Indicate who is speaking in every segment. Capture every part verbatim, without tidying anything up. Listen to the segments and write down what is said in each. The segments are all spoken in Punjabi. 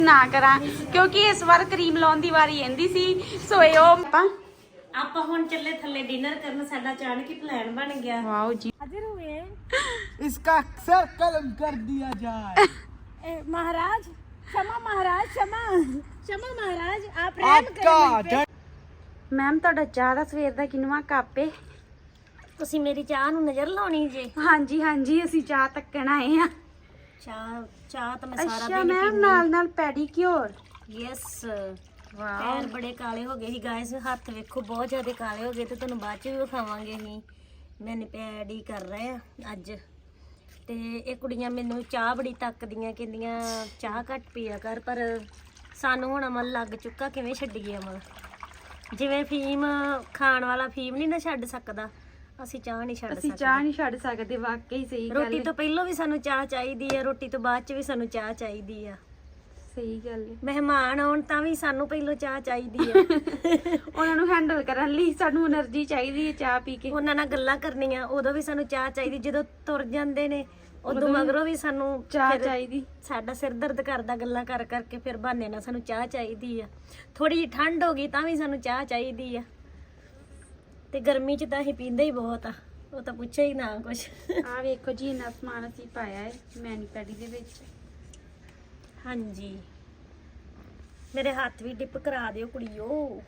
Speaker 1: ਨਾ ਕਰਾਂ ਕਿਉਂਕਿ ਇਸ ਵਾਰ ਕਰੀਮ ਲਾਉਣ ਦੀ ਵਾਰੀ ਆਂਦੀ ਸੀ ਸੋ ਇਹ ਉਹ ਆਪਾਂ
Speaker 2: ਆਪਾਂ ਹੁਣ ਚੱਲੇ ਥੱਲੇ ਡਿਨਰ ਕਰਨ। ਸਾਡਾ ਅਚਾਨਕ ਹੀ ਪਲਾਨ ਬਣ ਗਿਆ।
Speaker 1: ਵਾਓ ਜੀ
Speaker 2: हाजिर हुए
Speaker 3: इसका अक्सर कलम कर दिया जाए।
Speaker 2: ए, महाराज क्षमा महाराज क्षमा क्षमा महाराज आप रहम
Speaker 3: आपका
Speaker 2: करें।
Speaker 1: ਮੈਮ ਤੁਹਾਡਾ ਚਾਹ ਦਾ ਸਵੇਰ ਦਾ ਕਿੰਨਵਾਂ ਕੱਪ ਏ?
Speaker 2: ਤੁਸੀਂ ਮੇਰੀ ਚਾਹ ਨੂੰ ਨਜ਼ਰ ਲਾਉਣੀ ਜੇ?
Speaker 1: ਹਾਂਜੀ ਹਾਂਜੀ ਅਸੀਂ ਚਾਹ ਤੱਕਣ ਆਏ ਆ।
Speaker 2: ਚਾਹ ਚਾਹ ਤਾਂ ਮੈਂ ਸਾਰਾ
Speaker 1: ਅੱਛਾ
Speaker 2: ਦਿਨ
Speaker 1: ਮੈਮ ਨਾਲ ਨਾਲ ਪੈਡੀਕਿਉਰ।
Speaker 2: ਯੈਸ
Speaker 1: ਵਾਓ
Speaker 2: ਪੈਰ ਬੜੇ ਕਾਲੇ ਹੋ ਗਏ ਸੀ ਗਾਇਸ। ਹੱਥ ਵੇਖੋ ਬਹੁਤ ਜ਼ਿਆਦਾ ਕਾਲੇ ਹੋ ਗਏ ਤੇ ਤੁਹਾਨੂੰ ਬਾਅਦ ਚ ਵੀ ਵਿਖਾਵਾਂਗੇ ਅਸੀਂ। ਮੈਨੇ ਪੈਡੀ ਕਰ ਰਹੇ ਆ ਅੱਜ। ਤੇ ਇਹ ਕੁੜੀਆਂ ਮੈਨੂੰ ਚਾਹ ਬੜੀ ਤੱਕਦੀਆਂ, ਕਹਿੰਦੀਆਂ ਚਾਹ ਘੱਟ ਪੀਆ ਕਰ, ਪਰ ਸਾਨੂੰ ਹੁਣ ਅਮਲ ਲੱਗ ਚੁੱਕਾ। ਕਿਵੇਂ ਛੱਡੀਏ ਅਮਲ? ਜਿਵੇਂ ਫੀਮ ਖਾਣ ਵਾਲਾ ਫੀਮ ਨਹੀਂ ਨਾ ਛੱਡ ਸਕਦਾ, ਅਸੀਂ ਚਾਹ ਨਹੀਂ ਛੱਡ
Speaker 1: ਅਸੀਂ
Speaker 2: ਸਕਦੇ।
Speaker 1: ਚਾਹ ਨਹੀਂ ਛੱਡ ਸਕਦੇ, ਵਾਕਈ ਸਹੀ ਗੱਲ
Speaker 2: ਰੋਟੀ
Speaker 1: ਹੈ।
Speaker 2: ਤੋਂ ਪਹਿਲਾਂ ਵੀ ਸਾਨੂੰ ਚਾਹ ਚਾਹੀਦੀ ਆ, ਰੋਟੀ ਤੋਂ ਬਾਅਦ ਚ ਵੀ ਸਾਨੂੰ ਚਾਹ ਚਾਹੀਦੀ ਆ।
Speaker 1: ਸਹੀ ਗੱਲ ਹੈ।
Speaker 2: ਮਹਿਮਾਨ ਆਉਣ ਤਾਂ ਵੀ ਸਾਨੂੰ ਪਹਿਲਾਂ ਚਾਹ ਚਾਹੀਦੀ ਆ।
Speaker 1: ਉਹਨਾਂ ਨੂੰ ਹੈਂਡਲ ਕਰਨ ਲਈ ਸਾਨੂੰ એનર્ਜੀ ਚਾਹੀਦੀ ਹੈ ਚਾਹ ਪੀ ਕੇ।
Speaker 2: ਉਹਨਾਂ ਨਾਲ ਗੱਲਾਂ ਕਰਨੀਆਂ ਉਦੋਂ ਵੀ ਸਾਨੂੰ ਚਾਹ ਚਾਹੀਦੀ। ਜਦੋਂ ਤੁਰ ਜਾਂਦੇ ਨੇ ਉਦੋਂ ਮਗਰੋਂ ਵੀ ਸਾਨੂੰ
Speaker 1: ਚਾਹ
Speaker 2: ਫਿਰ
Speaker 1: ਚਾਹੀਦੀ।
Speaker 2: ਸਾਡਾ ਸਿਰ ਦਰਦ ਕਰਦਾ ਗੱਲਾਂ ਕਰ ਕਰਕੇ, ਫਿਰ ਬਹਾਨੇ ਨਾਲ ਸਾਨੂੰ ਚਾਹ ਚਾਹੀਦੀ ਆ। ਥੋੜੀ ਜਿਹੀ ਠੰਡ ਹੋ ਗਈ ਤਾਂ ਵੀ ਸਾਨੂੰ ਚਾਹ ਚਾਹੀਦੀ ਆ। ਤੇ ਗਰਮੀ 'ਚ ਤਾਂ ਅਸੀਂ ਪੀਂਦੇ ਹੀ ਬਹੁਤ ਆ, ਉਹ ਤਾਂ ਪੁੱਛੇ ਹੀ ਨਾ ਕੁਛ।
Speaker 1: ਆਹ ਵੇਖੋ ਜੀ ਇੰਨਾ ਸਮਾਨ ਅਸੀਂ ਪਾਇਆ ਹੈ ਮੈਨੀ ਪੈਡੀ ਦੇ ਵਿੱਚ।
Speaker 2: ਹਾਂਜੀ ਮੇਰੇ ਹੱਥ ਵੀ ਡਿਪ ਕਰਾ ਦਿਓ ਕੁੜੀਓ।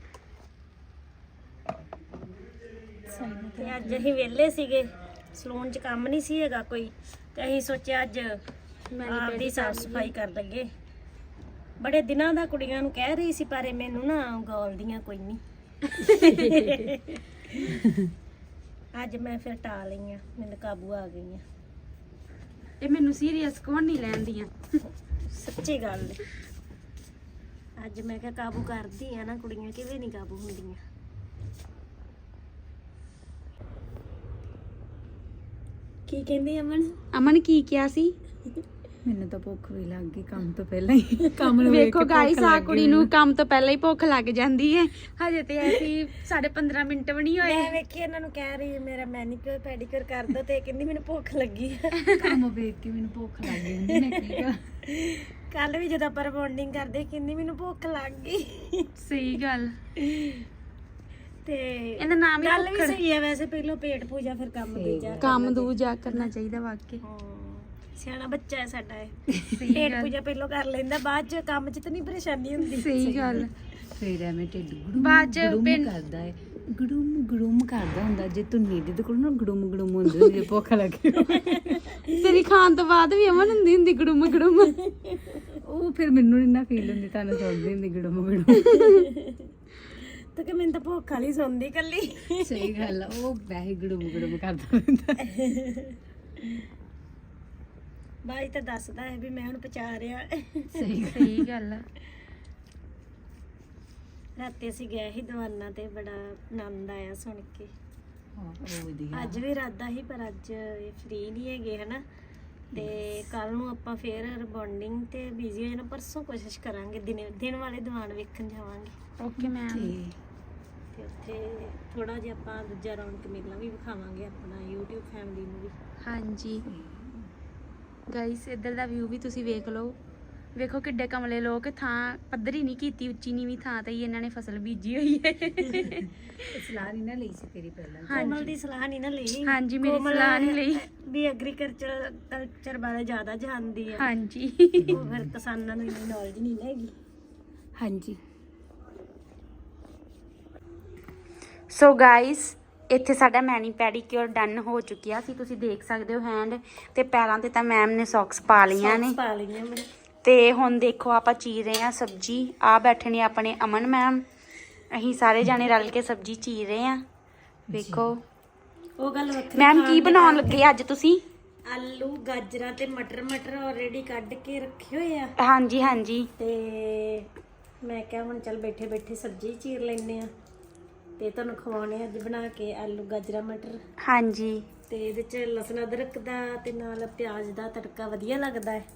Speaker 2: ਤੇ ਅੱਜ ਅਸੀਂ ਵਿਹਲੇ ਸੀਗੇ, ਸਲੂਨ 'ਚ ਕੰਮ ਨਹੀਂ ਸੀ ਹੈਗਾ ਕੋਈ, ਤੇ ਅਸੀਂ ਸੋਚਿਆ ਅੱਜ ਆਪਦੀ ਸਾਫ ਸਫਾਈ ਕਰ ਲਈਏ। ਬੜੇ ਦਿਨਾਂ ਦਾ ਕੁੜੀਆਂ ਨੂੰ ਕਹਿ ਰਹੀ ਸੀ, ਪਰ ਇਹ ਮੈਨੂੰ ਨਾ ਗੋਲਦੀਆਂ ਕੋਈ ਨਹੀਂ। ਅੱਜ ਮੈਂ ਫਿਰ ਟਾ ਲਈਆਂ, ਮੈਨੂੰ ਕਾਬੂ ਆ ਗਈਆਂ।
Speaker 1: ਇਹ ਮੈਨੂੰ ਸੀਰੀਅਸ ਕੌਣ ਨਹੀਂ ਲੈਂਦੀਆਂ,
Speaker 2: ਸੱਚੀ ਗੱਲ ਹੈ। ਅੱਜ ਮੈਂ ਕਿਹਾ ਕਾਬੂ ਕਰਦੀ ਆ ਨਾ, ਕੁੜੀਆਂ ਕਿਵੇਂ ਨਹੀਂ ਕਾਬੂ ਹੁੰਦੀਆਂ। ਕੀ ਕਹਿੰਦੀ ਅਮਨ?
Speaker 1: ਅਮਨ ਕੀ ਕਿਹਾ ਸੀ?
Speaker 3: ਮੈਨੂੰ ਤਾਂ ਭੁੱਖ ਵੀ ਲੱਗ ਗਈ ਕੰਮ ਤੋਂ ਪਹਿਲਾਂ ਹੀ। ਕੰਮ ਨੂੰ
Speaker 1: ਵੇਖੋ ਗਾਇਸ ਆ ਕੁੜੀ ਨੂੰ ਕੰਮ ਤੋਂ ਪਹਿਲਾਂ ਹੀ ਭੁੱਖ ਲੱਗ ਜਾਂਦੀ ਹੈ। ਹਜੇ ਤੇ ਐਸੀ ਸਾਢੇ ਪੰਦਰਾਂ ਮਿੰਟ ਵੀ ਨਹੀਂ ਹੋਏ।
Speaker 2: ਮੈਂ ਵੇਖੀ ਇਹਨਾਂ ਨੂੰ ਕਹਿ ਰਹੀ ਮੇਰਾ ਮੈਨੀਕਿਉਰ ਪੈਡੀਕਿਉਰ ਕਰ ਦੋ, ਤੇ ਕਹਿੰਦੀ ਮੈਨੂੰ ਭੁੱਖ ਲੱਗੀ ਹੈ।
Speaker 3: ਕੰਮ ਵੇਖ ਕੇ ਮੈਨੂੰ ਭੁੱਖ ਲੱਗ ਜਾਂਦੀ ਨੇ। ਕੀ ਕਰਾਂ?
Speaker 2: ਕੱਲ ਵੀ ਜਦੋਂ ਆਪਾਂ ਬੌਂਡਿੰਗ ਕਰਦੇ ਕਹਿੰਦੀ ਮੈਨੂੰ ਭੁੱਖ ਲੱਗ ਗਈ।
Speaker 1: ਸਹੀ ਗੱਲ।
Speaker 2: ਤੇ
Speaker 1: ਇਹਦਾ ਨਾਮ ਹੀ
Speaker 2: ਗੱਲ ਵੀ
Speaker 1: ਭੁੱਖੜ।
Speaker 2: ਸਹੀ ਹੈ ਵੈਸੇ, ਪਹਿਲਾਂ ਪੇਟ ਪੂਜਾ ਫਿਰ ਕੰਮ ਦੂਜਾ।
Speaker 1: ਕੰਮ ਦੂਜਾ ਕਰਨਾ ਚਾਹੀਦਾ ਵਾਕਈ।
Speaker 2: ਹਾਂ, ਸਿਆਣਾ ਬੱਚਾ ਹੈ ਸਾਡਾ ਇਹ। ਪੇਟ ਪੂਜਾ ਪਹਿਲਾਂ ਕਰ ਲੈਂਦਾ, ਬਾਅਦ ਚ ਕੰਮ ਚ ਤਾਂ ਨਹੀਂ ਪਰੇਸ਼ਾਨੀ ਹੁੰਦੀ।
Speaker 1: ਸਹੀ ਗੱਲ।
Speaker 3: ਫੇਰ ਐਵੇਂ ਢਿੱਡ ਗੁੜੂਮ
Speaker 1: ਬਾਅਦ ਚ
Speaker 3: ਗੁੜੂਮ
Speaker 1: ਪਿੰਡ-
Speaker 3: ਕਰਦਾ ਹੈ। ਗੁੜੂਮ ਗੁੜੂਮ ਕਰਦਾ ਹੁੰਦਾ। ਜੇ ਤੂੰ ਨੀਂਦ ਤੇ ਕੋਲ ਨਾ ਗੁੜੂਮ ਗੁੜੂਮ ਹੁੰਦੀ ਹੁੰਦੀ ਜੇ ਭੁੱਖ ਲੱਗੀ
Speaker 1: ਤੇਰੀ ਖਾਣ ਤੋਂ ਬਾਅਦ ਵੀ ਅਮਨ ਹੁੰਦੀ ਹੁੰਦੀ ਗੜੂਮ ਗੜੂਮ।
Speaker 3: ਉਹ ਫਿਰ ਮੈਨੂੰ ਨੀ ਨਾ ਫੀਲ ਹੁੰਦੀ, ਤੁਹਾਨੂੰ ਸੁਣਦੀ ਹੁੰਦੀ ਗੁੜੂਮ ਗੁੜੂਮ।
Speaker 2: ਤੇ ਕਿ ਮੈਨੂੰ ਤਾਂ ਭੁੱਖ ਵਾਲੀ ਸੌਂਦੀ ਕੱਲੀ।
Speaker 3: ਸਹੀ ਗੱਲ ਆ, ਉਹ ਵੈਸੇ ਗੁੜੂਮ ਗੁੜੂਮ ਕਰਦਾ ਹੁੰਦਾ।
Speaker 2: ਬਾਈ ਤਾਂ ਦੱਸਦਾ ਹੈ ਵੀ ਮੈਂ ਹੁਣ ਪਚਾ ਰਿਹਾ।
Speaker 3: ਸਹੀ
Speaker 1: ਸਹੀ ਗੱਲ ਆ।
Speaker 2: ਰਾਤੀ ਅਸੀਂ ਗਏ ਸੀ ਦੀਵਾਨਾ ਤੇ ਬੜਾ ਆਨੰਦ ਆਇਆ ਸੁਣ ਕੇ।
Speaker 3: ਹਾਂ, ਉਹ ਵਧੀਆ।
Speaker 2: ਅੱਜ ਵੀ ਇਰਾਦਾ ਸੀ, ਪਰ ਅੱਜ ਇਹ ਫ੍ਰੀ ਨਹੀਂ ਹੈਗੇ ਹਨਾ। ਤੇ ਕੱਲ ਨੂੰ ਆਪਾਂ ਫੇਰ ਰਿਬੌਂਡਿੰਗ ਤੇ ਬਿਜ਼ੀ ਹੋ ਜਾਣਾ। ਪਰਸੋਂ ਕੋਸ਼ਿਸ਼ ਕਰਾਂਗੇ ਦਿਨ ਦਿਨ ਵਾਲੇ ਦੀਵਾਨ ਵੇਖਣ ਜਾਵਾਂਗੇ।
Speaker 1: Okay ma'am.
Speaker 2: ਤੇ ਉੱਥੇ ਥੋੜਾ ਜਿਹਾ ਆਪਾਂ ਦੂਜਾ ਰੌਣਕ ਮੇਲਾ ਵੀ ਵਿਖਾਵਾਂਗੇ ਆਪਣਾ YouTube ਫੈਮਿਲੀ ਨੂੰ ਵੀ।
Speaker 1: ਹਾਂਜੀ ਗਾਇਸ ਇੱਧਰ ਦਾ ਵਿਊ ਵੀ ਤੁਸੀਂ ਵੇਖ ਲਓ। ਵੇਖੋ ਕਿੱਡੇ ਕਮਲੇ ਲੋਕ, ਥਾਂ ਪੱਧਰੀ ਨਹੀਂ ਕੀਤੀ, ਉੱਚੀ ਨੀਵੀਂ ਥਾਂ ਤੇ ਹੀ ਇਹਨਾਂ ਨੇ ਫਸਲ ਬੀਜੀ ਹੋਈ ਹੈ।
Speaker 3: ਸਲਾਹ ਨਹੀਂ ਨਾ ਲਈ ਸੀ ਤੇਰੀ ਪਹਿਲਾਂ।
Speaker 2: ਕੋਮਲ ਦੀ ਸਲਾਹ ਨਹੀਂ ਨਾ ਲਈ।
Speaker 1: ਹਾਂਜੀ ਮੇਰੀ
Speaker 2: ਕੋਮਲ
Speaker 1: ਸਲਾਹ ਨਹੀਂ ਲਈ।
Speaker 2: ਵੀ ਐਗਰੀਕਲਚਰ ਕਲਚਰ ਬਾਰੇ ਜ਼ਿਆਦਾ ਜਾਣਦੀ ਹੈ।
Speaker 1: ਹਾਂਜੀ
Speaker 2: ਉਹ ਫਿਰ ਕਿਸਾਨਾਂ ਨੂੰ ਇੰਨੀ ਨੌਲੇਜ ਨਹੀਂ ਨਾ ਹੈਗੀ।
Speaker 3: ਹਾਂਜੀ
Speaker 1: ਸੋ ਗਾਇਸ ਇੱਥੇ ਸਾਡਾ ਮੈਨੀ ਪੈਡੀਕਿਉਰ ਡਨ ਹੋ ਚੁੱਕਿਆ ਸੀ। ਤੁਸੀਂ ਦੇਖ ਸਕਦੇ ਹੋ ਹੈਂਡ ਤੇ ਪੈਰਾਂ ਤੇ ਤਾਂ ਮੈਮ ਨੇ ਸੌਕਸ ਪਾ ਲਈਆਂ ਨੇ।
Speaker 2: ਸੌਕਸ ਪਾ ਲਈਆਂ ਮੈਂ।
Speaker 1: ਤੇ ਹੁਣ ਦੇਖੋ ਆਪਾਂ ਚੀਰ ਰਹੇ ਹਾਂ ਸਬਜੀ। ਆ ਬੈਠੇ ਨੇ ਆਪਣੇ ਅਮਨ ਮੈਮ, ਅਸੀਂ ਸਾਰੇ ਜਾਣੇ ਰਲ ਕੇ ਸਬਜੀ ਚੀਰ ਰਹੇ ਹਾਂ। ਵੇਖੋ
Speaker 2: ਉਹ ਗੱਲ ਵੱਖਰੀ।
Speaker 1: ਮੈਮ ਕੀ ਬਣਾਉਣ ਲੱਗੇ ਅੱਜ ਤੁਸੀਂ?
Speaker 2: ਆਲੂ ਗਾਜਰਾਂ ਤੇ ਮਟਰ ਮਟਰ ਆਲਰੇਡੀ ਕੱਢ ਕੇ ਰੱਖੇ ਹੋਏ ਆ।
Speaker 1: ਹਾਂਜੀ ਹਾਂਜੀ।
Speaker 2: ਤੇ ਮੈਂ ਕਿਹਾ ਹੁਣ ਚੱਲ ਬੈਠੇ ਬੈਠੇ ਸਬਜ਼ੀ ਚੀਰ ਲੈਂਦੇ ਆ ਤੇ ਤੁਹਾਨੂੰ ਖਵਾਉਣੇ ਅੱਜ ਬਣਾ ਕੇ ਆਲੂ ਗਾਜਰਾਂ ਮਟਰ।
Speaker 1: ਹਾਂਜੀ
Speaker 2: ਤੇ ਇਹਦੇ ਚ ਲਸਣ ਅਦਰਕ ਦਾ ਤੇ ਨਾਲ ਪਿਆਜ਼ ਦਾ ਤੜਕਾ ਵਧੀਆ ਲੱਗਦਾ ਹੈ।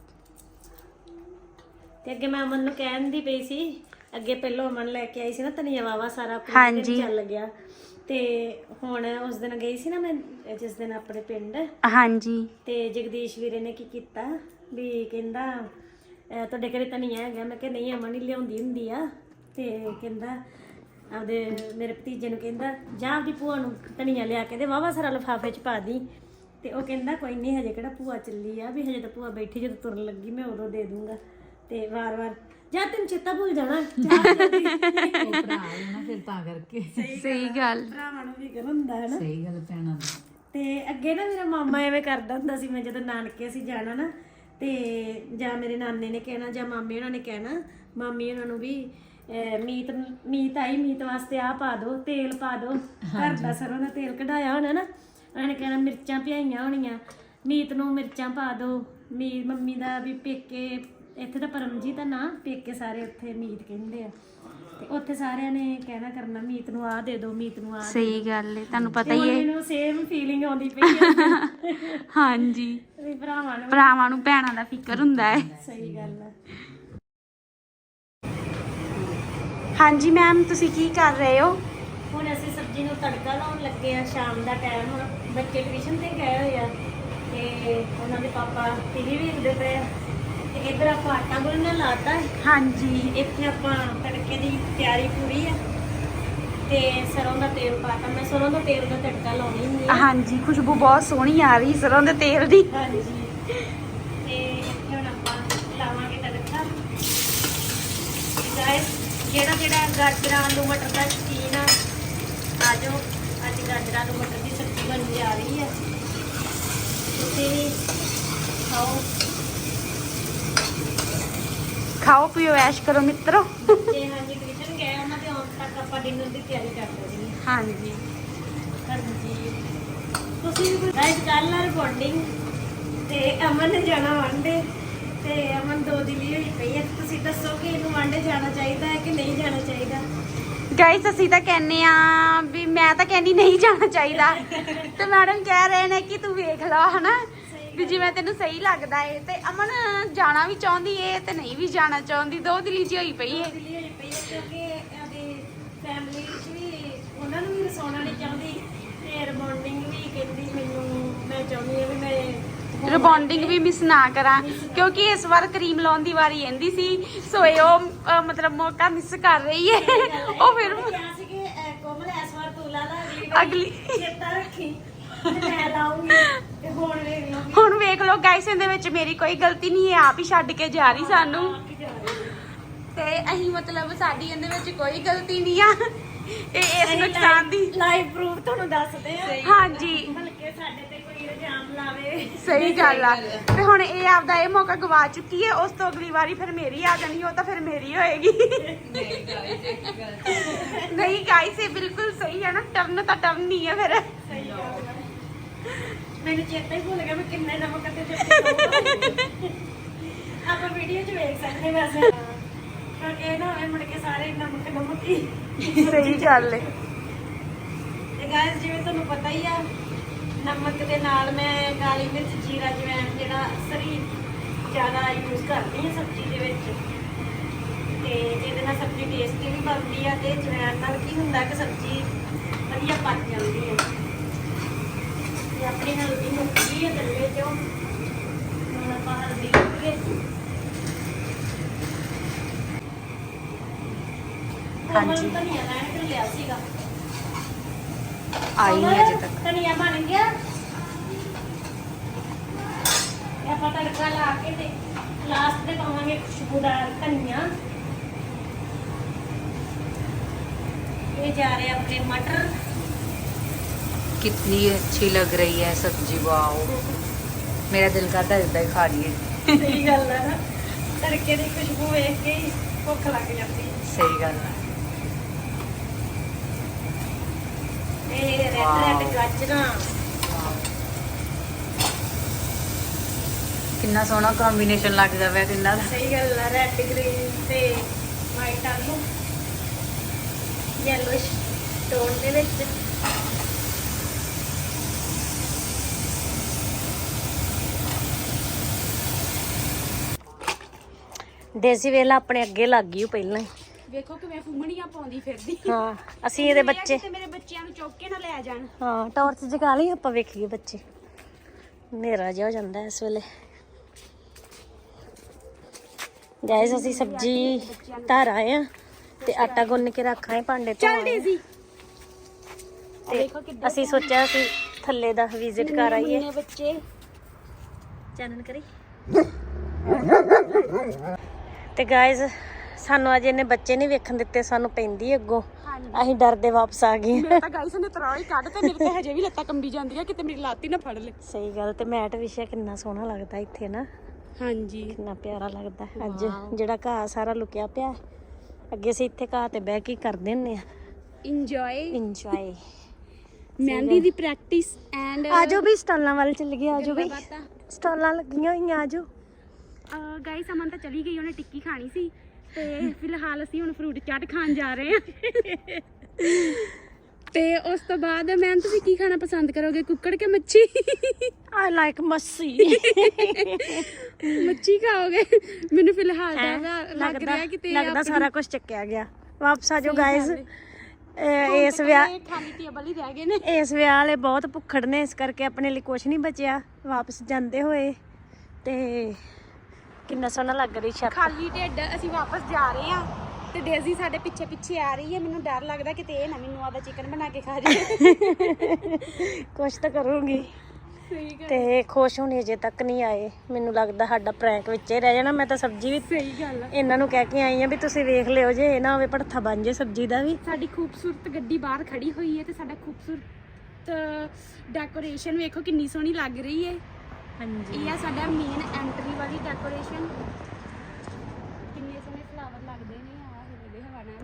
Speaker 2: ਤੇ ਅੱਗੇ ਮੈਂ ਅਮਨ ਨੂੰ ਕਹਿਣ ਦੀ ਪਈ ਸੀ, ਅੱਗੇ ਪਹਿਲਾਂ ਅਮਨ ਲੈ ਕੇ ਆਈ ਸੀ ਨਾ ਧਨੀਆ ਵਾਵਾ ਸਾਰਾ,
Speaker 1: ਹਾਂਜੀ
Speaker 2: ਚੱਲ ਗਿਆ। ਤੇ ਹੁਣ ਉਸ ਦਿਨ ਗਈ ਸੀ ਨਾ ਮੈਂ, ਜਿਸ ਦਿਨ ਆਪਣੇ ਪਿੰਡ।
Speaker 1: ਹਾਂਜੀ
Speaker 2: ਤੇ ਜਗਦੀਸ਼ ਵੀਰੇ ਨੇ ਕੀ ਕੀਤਾ ਵੀ ਕਹਿੰਦਾ ਅਹ ਤੁਹਾਡੇ ਘਰੇ ਧਨੀਆ ਹੈਗਾ? ਮੈਂ ਕਿਹਾ ਨਹੀਂ, ਅਮਨ ਹੀ ਲਿਆਉਂਦੀ ਹੁੰਦੀ ਆ। ਤੇ ਕਹਿੰਦਾ ਆਪਦੇ ਮੇਰੇ ਭਤੀਜੇ ਨੂੰ ਕਹਿੰਦਾ ਜਾ ਆਪਦੀ ਭੂਆ ਨੂੰ ਧਨੀਆ ਲਿਆ ਕੇ ਦੇ, ਵਾਵਾ ਸਾਰਾ ਲਿਫਾਫੇ 'ਚ ਪਾ ਦੀ। ਤੇ ਉਹ ਕਹਿੰਦਾ ਕੋਈ ਨਹੀਂ, ਹਜੇ ਕਿਹੜਾ ਭੂਆ ਚੱਲੀ ਆ, ਵੀ ਹਜੇ ਤਾਂ ਭੂਆ ਬੈਠੀ, ਜਦੋਂ ਤੁਰਨ ਲੱਗੀ ਮੈਂ ਉਦੋਂ ਦੇ ਦੂੰਗਾ। ਤੇ ਵਾਰ-ਵਾਰ ਜਾ ਤੈਨੂੰ ਚੇਤਾ ਭੁੱਲ ਜਾਣਾ।
Speaker 3: ਉਹ ਭਰਾ ਹੈ ਨਾ ਫਿਰ ਤਾਂ ਕਰਕੇ।
Speaker 1: ਸਹੀ ਗੱਲ।
Speaker 2: ਭਰਾਵਾਂ ਨੂੰ ਵੀ ਕਰ ਹੁੰਦਾ ਹੈ ਨਾ।
Speaker 3: ਸਹੀ ਗੱਲ ਪੈਣਾ ਦਾ।
Speaker 2: ਤੇ ਅੱਗੇ ਨਾ ਮੇਰਾ ਮਾਮਾ ਐਵੇਂ ਕਰਦਾ ਹੁੰਦਾ ਸੀ, ਮੈਂ ਜਦੋਂ ਨਾਨਕੇ ਅਸੀਂ ਜਾਣਾ ਨਾ, ਤੇ ਜਾਂ ਮੇਰੇ ਨਾਨੇ ਨੇ ਕਹਿਣਾ ਜਾਂ ਮਾਮੇ ਉਹਨਾਂ ਨੇ ਕਹਿਣਾ, ਮਾਮੀ ਉਹਨਾਂ ਨੂੰ ਵੀ ਅਹ ਮੀਟ ਮੀਟ ਆਈ, ਮੀਟ ਵਾਸਤੇ ਆਹ ਪਾ ਦਿਓ, ਤੇਲ ਪਾ ਦਿਓ, ਘਰ ਦਾ ਸਰੋਂ ਦਾ ਤੇਲ ਕਢਾਇਆ ਹੋਣਾ ਨਾ, ਉਹਨਾਂ ਨੇ ਕਹਿਣਾ ਮਿਰਚਾਂ ਪਿਆਈਆਂ ਹੋਣੀਆਂ, ਮੀਟ ਨੂੰ ਮਿਰਚਾਂ ਪਾ ਦਿਓ। ਮੀ ਮੰਮੀ ਦਾ ਵੀ ਪੇਕੇ ਇੱਥੇ ਤਾਂ ਪਰਮਜੀਤ ਦਾ ਨਾਂ, ਪੇਕੇ ਸਾਰੇ ਉੱਥੇ ਮੀਟ ਕਹਿੰਦੇ ਆ, ਤੇ ਉੱਥੇ ਸਾਰਿਆਂ ਨੇ ਕਹਿਣਾ ਕਰਨਾ ਮੀਤ ਨੂੰ ਆਹ ਦੇ ਦਿਓ, ਮੀਤ ਨੂੰ ਆਹ।
Speaker 1: ਸਹੀ ਗੱਲ ਹੈ, ਤੁਹਾਨੂੰ ਪਤਾ ਹੀ ਹੈ।
Speaker 2: ਮੈਨੂੰ ਸੇਮ ਫੀਲਿੰਗ ਆਉਂਦੀ ਪਈ ਹੈ
Speaker 1: ਹਾਂਜੀ,
Speaker 2: ਵੀ ਭਰਾਵਾਂ ਨੂੰ।
Speaker 1: ਭਰਾਵਾਂ ਨੂੰ ਭੈਣਾਂ ਦਾ ਫਿਕਰ ਹੁੰਦਾ ਹੈ।
Speaker 2: ਸਹੀ ਗੱਲ ਹੈ।
Speaker 1: ਹਾਂਜੀ ਮੈਮ, ਤੁਸੀਂ ਕੀ ਕਰ ਰਹੇ ਹੋ?
Speaker 2: ਹੁਣ ਅਸੀਂ ਸਬਜ਼ੀ ਨੂੰ ਤੜਕਾ ਲਾਉਣ ਲੱਗੇ ਆ, ਸ਼ਾਮ ਦਾ ਟਾਈਮ, ਹੁਣ ਬੱਚੇ ਟਿਊਸ਼ਨ ਤੇ ਗਏ ਹੋਏ ਆ ਤੇ ਉਹਨਾਂ ਦੇ ਪਾਪਾ ਟੀਵੀ ਵੇਖਦੇ ਪਏ ਆ, ਤੇ ਇੱਧਰ ਆਪਾਂ ਆਟਾ ਗੁੰਨਣ ਲਾਤਾ ਹੈ।
Speaker 1: ਹਾਂਜੀ,
Speaker 2: ਇੱਥੇ ਆਪਾਂ ਤੜਕੇ ਦੀ ਤਿਆਰੀ ਪੂਰੀ ਆ, ਤੇ ਸਰੋਂ ਦਾ ਤੇਲ ਪਾਤਾ। ਮੈਂ ਸਰੋਂ ਦਾ ਤੇਲ ਦਾ ਤੜਕਾ ਲਾਉਣੀ ਹੁੰਦੀ ਆ।
Speaker 1: ਹਾਂਜੀ, ਖੁਸ਼ਬੂ ਬਹੁਤ ਸੋਹਣੀ ਆ ਰਹੀ ਸਰੋਂ ਦੇ ਤੇਲ ਦੀ।
Speaker 2: ਹਾਂਜੀ, ਤੇ ਇੱਥੇ ਹੁਣ ਆਪਾਂ ਲਾਵਾਂਗੇ ਤੜਕਾ। ਗਾਇਸ, ਜਿਹੜਾ ਜਿਹੜਾ ਗਾਜਰਾਂ ਆਲੂ ਮਟਰ ਦਾ ਸ਼ੌਕੀਨ ਆ, ਆ ਜਾਓ। ਅੱਜ ਗਾਜਰਾਂ ਆਲੂ ਮਟਰ ਦੀ ਸਬਜ਼ੀ ਬਣ ਜਾ ਰਹੀ ਆ, ਤੁਸੀਂ ਵੀ ਖਾਓ।
Speaker 1: ਖਾਓ ਪੀਓ ਐਸ਼ ਕਰੋ ਮਿੱਤਰੋ।
Speaker 2: ਜੇ ਹਾਂਜੀ ਟਿਊਸ਼ਨ ਗਏ, ਉਹਨਾਂ ਦੇ ਆਉਣ ਤੱਕ ਆਪਾਂ ਡਿਨਰ ਦੀ ਤਿਆਰੀ ਕਰ ਲੈਣੀ ਹੈ।
Speaker 1: ਹਾਂਜੀ,
Speaker 2: ਹਾਂਜੀ, ਤੁਸੀਂ ਵੀ ਗਾਇਸ ਕੱਲ ਆ ਰਿਕਾਰਡਿੰਗ, ਤੇ ਅਮਨ ਨੇ ਜਾਣਾ ਵਾਂਡੇ, ਤੇ ਅਮਨ ਦੋ ਦਿਲੀ ਹੋਈ ਪਈ ਹੈ। ਤੁਸੀਂ ਦੱਸੋ ਕਿ ਇਹਨੂੰ ਵਾਂਡੇ ਜਾਣਾ ਚਾਹੀਦਾ ਹੈ ਕਿ ਨਹੀਂ ਜਾਣਾ ਚਾਹੀਦਾ?
Speaker 1: ਗਾਇਸ ਅਸੀਂ ਤਾਂ ਕਹਿੰਨੇ ਆ ਵੀ, ਮੈਂ ਤਾਂ ਕਹਿੰਦੀ ਨਹੀਂ ਜਾਣਾ ਚਾਹੀਦਾ, ਤੇ ਮੈਡਮ ਕਹਿ ਰਹੇ ਨੇ ਕਿ ਤੂੰ ਵੇਖ ਲਾ ਹਨਾ, ਵੀ ਜਿਵੇਂ ਤੈਨੂੰ ਸਹੀ ਲੱਗਦਾ ਏ। ਤੇ ਅਮਨ ਜਾਣਾ ਵੀ ਚਾਹੁੰਦੀ ਏ ਤੇ ਨਹੀਂ ਵੀ ਜਾਣਾ ਚਾਹੁੰਦੀ, ਦੋ ਦਿਲੀ ਜਿਹੀ ਹੋਈ ਪਈ ਏ।
Speaker 2: ਦਿਲੀ ਹੋਈ ਪਈ ਹੈ ਕਿਉਂਕਿ ਇਹਦੀ ਫੈਮਿਲੀ ਵਿੱਚ ਵੀ ਉਹਨਾਂ ਨੂੰ ਵੀ ਰਸਾਉਣਾ ਨਹੀਂ ਚਾਹੁੰਦੀ, ਤੇ ਰਿਬੌਂਡਿੰਗ ਵੀ ਕਹਿੰਦੀ ਮੈਨੂੰ, ਮੈਂ ਚਾਹੁੰਦੀ ਹਾਂ ਵੀ ਮੈਂ
Speaker 1: ਰਿਬੌਂਡਿੰਗ ਵੀ ਮਿਸ ਨਾ ਕਰਾਂ, ਕਿਉਂਕਿ ਇਸ ਵਾਰ ਕਰੀਮ ਲਾਉਣ ਦੀ ਵਾਰੀ ਆਂਦੀ ਸੀ, ਸੋ ਇਹ ਉਹ ਅਹ, ਮਤਲਬ ਮੌਕਾ ਮਿਸ ਕਰ ਰਹੀ ਏ। ਉਹ ਫਿਰ
Speaker 2: ਕਿਹਾ ਸੀ ਕਿ ਅਹ, ਕੋਮਲ ਇਸ ਵਾਰ ਤੂੰ ਲਾ ਲਾ, ਅਗਲੀ ਵਾਰੀ
Speaker 1: ਅਗਲੀ
Speaker 2: ਚੇਤਾ ਰੱਖੀ ਤੇ ਮੈਂ ਲਾਉਂਗੀ। ਤੇ ਹੁਣ ਵੇਖ ਲਓ
Speaker 1: ਹੁਣ ਵੇਖ ਲਓ ਗਾਇਸ, ਇਹਦੇ ਵਿੱਚ ਮੇਰੀ ਕੋਈ ਗਲਤੀ ਨਹੀਂ ਹੈ, ਆਪ ਹੀ ਛੱਡ ਕੇ ਜਾ ਰਹੀ ਸਾਨੂੰ, ਤੇ ਅਸੀਂ ਮਤਲਬ ਸਾਡੀ ਇਹਦੇ ਵਿੱਚ ਕੋਈ ਗਲਤੀ ਨਹੀਂ ਆ। ਇਹ ਇਸ ਨੁਕਸਾਨ ਦੀ
Speaker 2: ਲਾਈਵ ਪ੍ਰੂਫ ਤੁਹਾਨੂੰ ਦੱਸਦੇ ਆ।
Speaker 1: ਹਾਂਜੀ,
Speaker 2: ਬਲਕਿ ਸਾਡੇ ਤੇ ਕੋਈ ਇਲਜ਼ਾਮ ਲਾਵੇ।
Speaker 1: ਸਹੀ ਗੱਲ ਆ। ਤੇ ਹੁਣ ਇਹ ਆਪਦਾ ਇਹ ਮੌਕਾ ਗਵਾ ਚੁੱਕੀ ਹੈ, ਉਸ ਤੋਂ ਅਗਲੀ ਵਾਰੀ ਫਿਰ ਮੇਰੀ ਆ ਜਾਣੀ, ਉਹ ਤਾਂ ਫਿਰ ਮੇਰੀ ਹੋਏਗੀ। ਨਹੀਂ ਗਾਇਸ, ਇਹ ਬਿਲਕੁਲ ਸਹੀ ਹੈ ਨਾ, ਟਰਨ ਤਾਂ ਟਰਨ ਹੀ ਹੈ ਫਿਰ।
Speaker 2: ਮੈਨੂੰ ਚੇਤਾ ਹੀ ਭੁੱਲ ਗਿਆ ਮੈਂ ਕਿੰਨੇ ਨਮਕ ਤੇ ਚਿੱਟੇ ਆਪਾਂ ਵੀਡੀਓ 'ਚ ਵੇਖ ਸਕਦੇ ਵੈਸੇ, ਕਿਉਂਕਿ ਇਹ ਨਾ ਹੋਵੇ ਮੁੜ ਕੇ ਸਾਰੇ ਨਮਕ ਨਮਕ ਹੀ।
Speaker 1: ਸਹੀ ਗੱਲ ਹੈ।
Speaker 2: ਤੇ ਗਾਇਸ, ਜਿਵੇਂ ਤੁਹਾਨੂੰ ਪਤਾ ਹੀ ਆ, ਨਮਕ ਦੇ ਨਾਲ ਮੈਂ ਕਾਲੀ ਮਿਰਚ, ਜੀਰਾ, ਜਵੈਣ ਜਿਹੜਾ ਸਰੀ ਜ਼ਿਆਦਾ ਯੂਜ਼ ਕਰਦੀ ਹਾਂ ਸਬਜ਼ੀ ਦੇ ਵਿੱਚ, ਤੇ ਇਹਦੇ ਨਾਲ ਸਬਜ਼ੀ ਟੇਸਟੀ ਵੀ ਬਣਦੀ ਆ, ਤੇ ਜਵੈਣ ਨਾਲ ਕੀ ਹੁੰਦਾ ਕਿ ਸਬਜ਼ੀ ਵਧੀਆ ਪੱਕ ਜਾਂਦੀ ਹੈ। ਤੇ ਆਪਣੀ ਹਲਦੀ ਮੁੱਕ ਗਈ ਹੈ ਗੱਲੇ 'ਚੋਂ, ਹੁਣ ਆਪਾਂ ਹਲਦੀ ਮੁੱਕ ਗਈ। ਹਾਂਜੀ, ਧਨੀਆ ਲੈਣ ਕੇ ਲਿਆ ਸੀਗਾ,
Speaker 1: ਆਈ ਨਹੀਂ ਅਜੇ ਤੱਕ।
Speaker 2: ਧਨੀਆ ਬਣ ਗਿਆ। ਇਹ ਆਪਾਂ ਤੜਕਾ ਲਾ ਕੇ ਤੇ ਲਾਸਟ ਤੇ ਪਾਵਾਂਗੇ ਖੁਸ਼ਬੂਦਾਰ ਧਨੀਆ। ਇਹ ਜਾ ਰਹੇ ਆਪਣੇ ਮਟਰ।
Speaker 3: कितनी अच्छी लग रही है सब्जी, वाओ, मेरा दिल करता है इतना ही खा लिए।
Speaker 2: ਸਹੀ ਗੱਲ ਹੈ ਨਾ, ਤੜਕੇ ਦੀ ਖੁਸ਼ਬੂ ਵੇਖ ਕੇ ਹੀ ਭੁੱਖ ਲੱਗ ਜਾਂਦੀ ਹੈ।
Speaker 3: सही गल है।
Speaker 2: ਇਹ ਰੈੱਡ ਰੈੱਡ ਗਾਜਰਾਂ,
Speaker 3: कितना सोहना कॉम्बिनेशन लगता है तिना दा।
Speaker 2: ਸਹੀ ਗੱਲ ਹੈ, ਰੈੱਡ ਗ੍ਰੀਨ ਤੇ ਵਾਈਟ ਆਲੂ ਯੈਲੋਇਸ਼ ਟੋਨ ਦੇ ਵਿੱਚ। ਦੇਸੀ ਵੇਲਾ ਆਪਣੇ ਅੱਗੇ ਲੱਗ ਗਈ ਉਹ ਪਹਿਲਾਂ ਹੀ।
Speaker 1: ਵੇਖੋ ਕਿਵੇਂ ਫੁੰਮਣੀਆਂ ਪਾਉਂਦੀ ਫਿਰਦੀ।
Speaker 2: ਹਾਂ, ਅਸੀਂ ਇਹਦੇ ਬੱਚੇ,
Speaker 1: ਤੇ ਮੇਰੇ ਬੱਚਿਆਂ ਨੂੰ ਚੁੱਕ ਕੇ ਨਾ ਲੈ ਜਾਣ।
Speaker 2: ਹਾਂ ਟਾਰਚ ਜਗਾ ਲਈ ਆਪਾਂ, ਵੇਖੀਏ ਬੱਚੇ। ਹਨੇਰਾ ਜਿਹਾ ਹੋ ਜਾਂਦਾ ਇਸ ਵੇਲੇ। ਗਾਇਸ ਅਸੀਂ ਸਬਜ਼ੀ ਧਰ ਆਏ ਆ ਤੇ ਆਟਾ ਗੁੰਨ ਕੇ ਰੱਖ ਆਏ ਭਾਂਡੇ ਤੋਂ
Speaker 1: ਚੱਲ ਡੇਜ਼ੀ
Speaker 2: ਤੇ ਅਸੀਂ ਸੋਚਿਆ ਅਸੀਂ ਥੱਲੇ ਦਾ ਵਿਜ਼ਿਟ ਕਰ ਆਈਏ
Speaker 1: ਬੱਚੇ
Speaker 2: ਚਾਨਣ ਕਰੀ ਤੇ ਗਾਇਸ ਸਾਨੂੰ ਅਜੇ ਇਹਨੇ ਬੱਚੇ ਨਹੀਂ ਵੇਖਣ ਦਿੱਤੇ ਸਾਨੂੰ ਪੈਂਦੀ ਅੱਗੋਂ ਅਸੀਂ ਡਰਦੇ ਵਾਪਸ ਆ ਗਏ
Speaker 1: ਮੇਰੇ ਤਾਂ ਗਾਇਸ ਨੇ ਤਰਾਈ ਕੱਢ ਤੇ ਮੇਰੇ ਤਾਂ ਹਜੇ ਵੀ ਲੱਤਾਂ ਕੰਬੀ ਜਾਂਦੀਆਂ ਕਿਤੇ ਮੇਰੀ ਲੱਤ ਹੀ ਨਾ ਫੜ ਲੈ।
Speaker 2: ਸਹੀ ਗੱਲ ਤੇ ਮੈਟ ਵਿਛਿਆ ਕਿੰਨਾ ਸੋਹਣਾ ਲੱਗਦਾ ਇੱਥੇ ਨਾ
Speaker 1: ਹਾਂਜੀ
Speaker 2: ਕਿੰਨਾ ਪਿਆਰਾ ਲੱਗਦਾ ਅੱਜ ਜਿਹੜਾ ਘਾਹ ਸਾਰਾ ਲੁਕਿਆ ਪਿਆ ਅੱਗੇ ਅਸੀਂ ਇੱਥੇ ਘਾਹ ਤੇ ਬਹਿ ਕੇ ਕਰਦੇ ਹੁੰਨੇ ਆ
Speaker 1: ਇੰਜੋਏ
Speaker 2: ਇੰਜੋਏ
Speaker 1: ਮਹਿੰਦੀ ਦੀ ਪ੍ਰੈਕਟਿਸ ਐਂਡ
Speaker 2: ਆਜੋ ਵੀ ਸਟਾਲਾਂ ਵੱਲ ਚੱਲ ਗਏ ਆਜੋ ਵੀ ਸਟਾਲਾਂ ਲੱਗੀਆਂ ਹੋਈਆਂ ਆਜੋ
Speaker 1: ਗਾਇਸ ਅਮਨ ਤਾਂ ਚਲੀ ਗਈ ਉਹਨੇ ਟਿੱਕੀ ਖਾਣੀ ਸੀ ਤੇ ਫਿਲਹਾਲ ਅਸੀਂ ਹੁਣ ਫਰੂਟ ਚਾਟ ਖਾਣ ਜਾ ਰਹੇ ਹਾਂ ਤੇ ਉਸ ਤੋਂ ਬਾਅਦ ਮੈਂ ਤੁਸੀਂ ਕੀ ਖਾਣਾ ਪਸੰਦ ਕਰੋਗੇ ਕੁੱਕੜ ਕੇ ਮੱਛੀ
Speaker 2: ਆਈ ਲਾਈਕ ਮੱਛੀ
Speaker 1: ਮੱਛੀ ਖਾਓਗੇ ਮੈਨੂੰ ਫਿਲਹਾਲ ਤਾਂ ਲੱਗ ਰਿਹਾ ਕਿ ਤੇ
Speaker 2: ਲੱਗਦਾ ਸਾਰਾ ਕੁਝ ਚੱਕਿਆ ਗਿਆ ਵਾਪਸ ਆਜੋ ਗਾਇਸ ਇਸ ਵਿਆਹ
Speaker 1: ਖਾਲੀ ਟੇਬਲ ਹੀ ਰਹਿ ਗਏ ਨੇ
Speaker 2: ਇਸ ਵਿਆਹ ਵਾਲੇ ਬਹੁਤ ਭੁੱਖੜ ਨੇ ਇਸ ਕਰਕੇ ਆਪਣੇ ਲਈ ਕੁਝ ਨਹੀਂ ਬਚਿਆ ਵਾਪਸ ਜਾਂਦੇ ਹੋਏ ਤੇ ਕਿੰਨਾ ਸੋਹਣਾ ਲੱਗ ਰਹੀ ਛੱਤ
Speaker 1: ਖਾਲੀ ਢਿੱਡ ਅਸੀਂ ਵਾਪਸ ਜਾ ਰਹੇ ਹਾਂ ਤੇ ਡੇਜ਼ੀ ਸਾਡੇ ਪਿੱਛੇ ਪਿੱਛੇ ਆ ਰਹੀ ਹੈ ਮੈਨੂੰ ਡਰ ਲੱਗਦਾ ਕਿ ਤੇ ਇਹ ਨਾ ਮੈਨੂੰ ਆਦਾ ਚਿਕਨ ਬਣਾ ਕੇ ਖਾ ਜਾਏ
Speaker 2: ਕੁਛ ਤਾਂ ਕਰੂੰਗੀ
Speaker 1: ਸਹੀ ਗੱਲ
Speaker 2: ਤੇ ਖੁਸ਼ ਹੋਣੇ ਅਜੇ ਤੱਕ ਨਹੀਂ ਆਏ ਮੈਨੂੰ ਲੱਗਦਾ ਸਾਡਾ ਪ੍ਰੈਂਕ ਵਿੱਚ ਹੀ ਰਹਿ ਜਾਣਾ ਮੈਂ ਤਾਂ ਸਬਜ਼ੀ ਵੀ
Speaker 1: ਸਹੀ ਗੱਲ ਆ
Speaker 2: ਇਹਨਾਂ ਨੂੰ ਕਹਿ ਕੇ ਆਈ ਆ ਵੀ ਤੁਸੀਂ ਵੇਖ ਲਿਓ ਜੇ ਇਹ ਨਾ ਹੋਵੇ ਭੜਥਾ ਬਣ ਜੇ ਸਬਜ਼ੀ ਦਾ ਵੀ
Speaker 1: ਸਾਡੀ ਖੂਬਸੂਰਤ ਗੱਡੀ ਬਾਹਰ ਖੜੀ ਹੋਈ ਹੈ ਤੇ ਸਾਡਾ ਖੂਬਸੂਰਤ ਡੈਕੋਰੇਸ਼ਨ ਵੇਖੋ ਕਿੰਨੀ ਸੋਹਣੀ ਲੱਗ ਰਹੀ ਹੈ
Speaker 2: ਹਾਂਜੀ
Speaker 1: ਇਹ ਆ ਸਾਡਾ ਮੇਨ ਐਂਟਰੀ ਵਾਲੀ ਡੈਕੋਰੇਸ਼ਨ ਕਿੰਨੇ ਸੋਹਣੇ ਫਲਾਵਰ ਲੱਗਦੇ ਨੇ ਆ ਹਿੱਲਦੇ ਹਵਾ ਨਾਲ